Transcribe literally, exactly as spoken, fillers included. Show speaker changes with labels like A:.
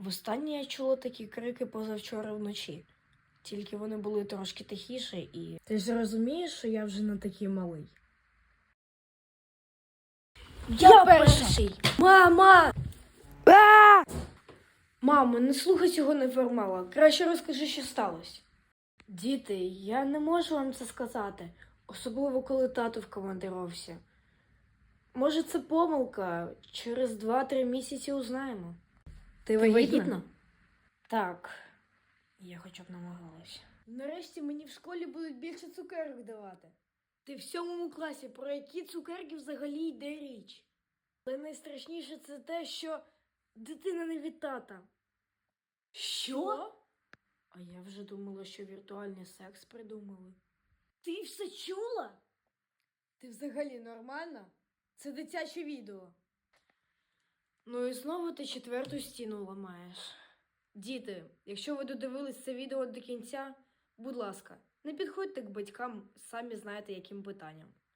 A: Востаннє я чула такі крики позавчора вночі. Тільки вони були трошки тихіше і... Ти ж розумієш, що я вже не такий малий? Я, я перший! Мама! А! Мамо, не слухай цього неформала. Краще розкажи, що сталося. Діти, я не можу вам це сказати. Особливо, коли тато в командировці. Може, це помилка. Через два-три місяці узнаємо. Ти вагітна? вагітна? Так. Я хоча б намагалась. Нарешті мені в школі будуть більше цукерок давати. Ти в сьомому класі, про які цукерки взагалі йде річ? Але найстрашніше це те, що дитина не від тата. Що? А я вже думала, що віртуальний секс придумали. Ти все чула? Ти взагалі нормальна? Це дитяче відео. Ну і знову ти четверту стіну ламаєш. Діти, якщо ви додивились це відео до кінця, будь ласка, не підходьте к батькам, самі знаєте яким питанням.